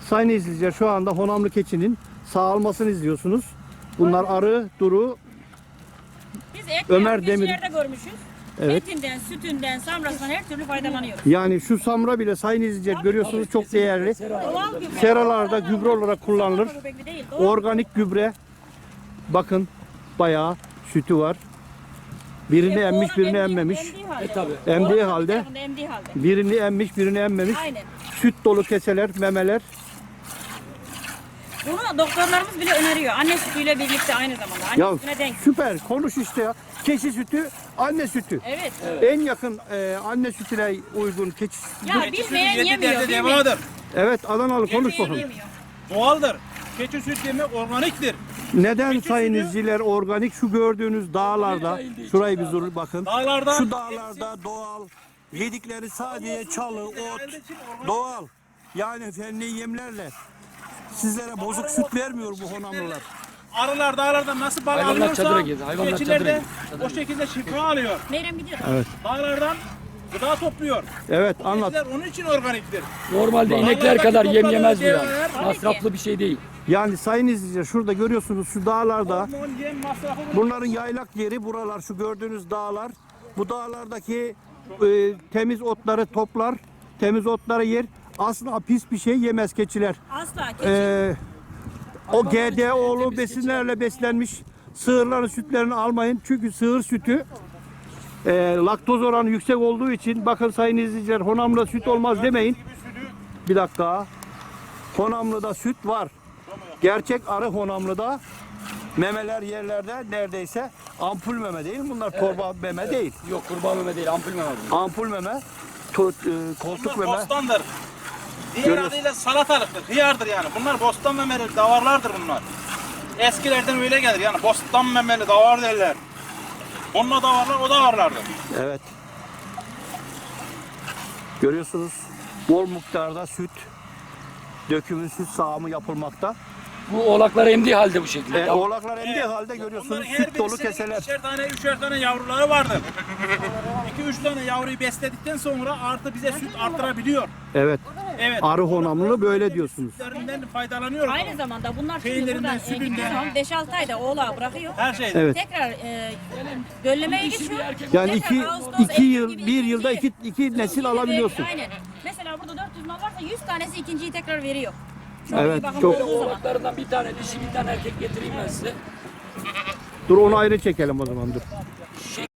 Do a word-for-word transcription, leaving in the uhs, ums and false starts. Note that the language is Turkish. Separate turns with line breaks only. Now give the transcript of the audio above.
Sayın izleyiciler, şu anda Honamlı keçinin sağalmasını izliyorsunuz. Bunlar arı, duru.
Biz et
Ömer
Ömer
Demir-
Demir. görmüşüz.
Evet.
Etinden, sütünden, samrasından her türlü faydalanıyoruz.
Yani şu samra bile sayın izleyiciler görüyorsunuz, çok değerli.
Doğal gübre.
Seralarda gübre olarak kullanılır.
Samra böbrekli değil, doğal.
Organik gübre. Bakın bayağı sütü var. Birini
E,
emmiş,
oğlan
birini
emdiği-
emmemiş.
emdiği halde.
E, tabii.
Emdiği
Oğlan bir
halde.
tarafında emdiği halde.
Birini emmiş, birini emmemiş.
Aynen.
Süt dolu keseler, memeler.
Bunu doktorlarımız bile öneriyor. Anne sütüyle birlikte aynı zamanda. Anne
Ya
sütüne denk.
süper, konuş işte ya. Keçi sütü, anne sütü.
Evet.
En yakın e, anne sütüne uygun keçi sütü.
Ya bilmeyen
Yedi
yemiyor.
derde
Bilmeyen
devadır.
Evet, Adanalı konuş bakalım.
yemiyor.
Doğaldır. Keçi süt demek organiktir.
Neden sayın izleyiciler organik? Şu gördüğünüz dağlarda, şurayı bir dur bakın.
Dağlarda
Şu dağlarda doğal, yedikleri sadece çalı, ot, doğal. Yani fenli yemlerle. Sizlere bozuk süt vermiyor bu Honamlılar.
arılar dağlardan nasıl bal
Hayvanlar
alıyorsa
çadıra girdi, hayvanlar
keçiler
çadıra
de
girdi.
o şekilde şifa alıyor.
Meyrem gidiyor.
Evet,
Dağlardan gıda topluyor.
evet anlat.
Keçiler onun için organiktir.
Normalde inekler
Vallahi
kadar
bak,
yem yemez bu
topladığı
yani.
devreler-
Masraflı bir şey değil.
Yani sayın izleyiciler, şurada görüyorsunuz şu dağlarda.
Hormon, yem masrafı
Bunların yaylak yeri buralar, şu gördüğünüz dağlar. Bu dağlardaki e, temiz otları toplar, temiz otları yer. Aslında pis bir şey yemez keçiler.
Asla keçi.
E, o G D O'lu besinlerle beslenmiş sığırların sütlerini almayın. Çünkü sığır sütü e, laktoz oranı yüksek olduğu için, bakın sayın izleyiciler, Honamlı'da süt olmaz demeyin. Bir dakika. Honamlı'da süt var. Gerçek arı Honamlı'da. Memeler yerlerde neredeyse ampul meme değil. Bunlar torba meme değil.
Yok kurbağa meme değil, ampul meme bu.
Ampul meme, to- e, koltuk
bunlar
meme.
bostandır. Diğer
Görüyorsun.
adıyla salatalıktır, hıyardır yani. Bunlar bostan memeli davarlardır bunlar. Eskilerden öyle gelir yani bostan memeli davar derler. Onunla davarlar o davarlardır.
Evet. Görüyorsunuz bol miktarda süt, dökümü süt sağımı yapılmakta.
Bu oğlaklar emdiği halde bu şekilde.
E,
Ya,
oğlaklar emdiği halde görüyorsunuz
Onların her
süt dolu
birisinin
keseler.
ikişer tane, üçer tane yavruları vardır. İki, üç tane yavruyu besledikten sonra artı bize süt arttırabiliyor.
Evet.
Evet.
Arı Honamlı böyle diyorsunuz.
Sütlerinden faydalanıyoruz.
Aynı zamanda bunlar şimdi
Peynirinden,
buradan e,
sütünden.
gittiği zaman beş altı ayda oğlağı bırakıyor.
Her şeyde.
Evet.
Tekrar e, döllemeye geçiyor.
Yani
Tekrar
iki,
Ağustos,
iki
Eylül
yıl,
gibi
bir yılda
ikinci-
iki, iki nesil alabiliyorsun.
Aynen. Mesela burada dört yüz mal varsa yüz tanesi ikinciyi tekrar veriyor. Çok
Evet,
iyi bakım
çok-
olduğu zaman.
oğlaklarından bir tane dişi bir tane erkek getireyim ben size.
Dur onu ayrı çekelim o zaman dur.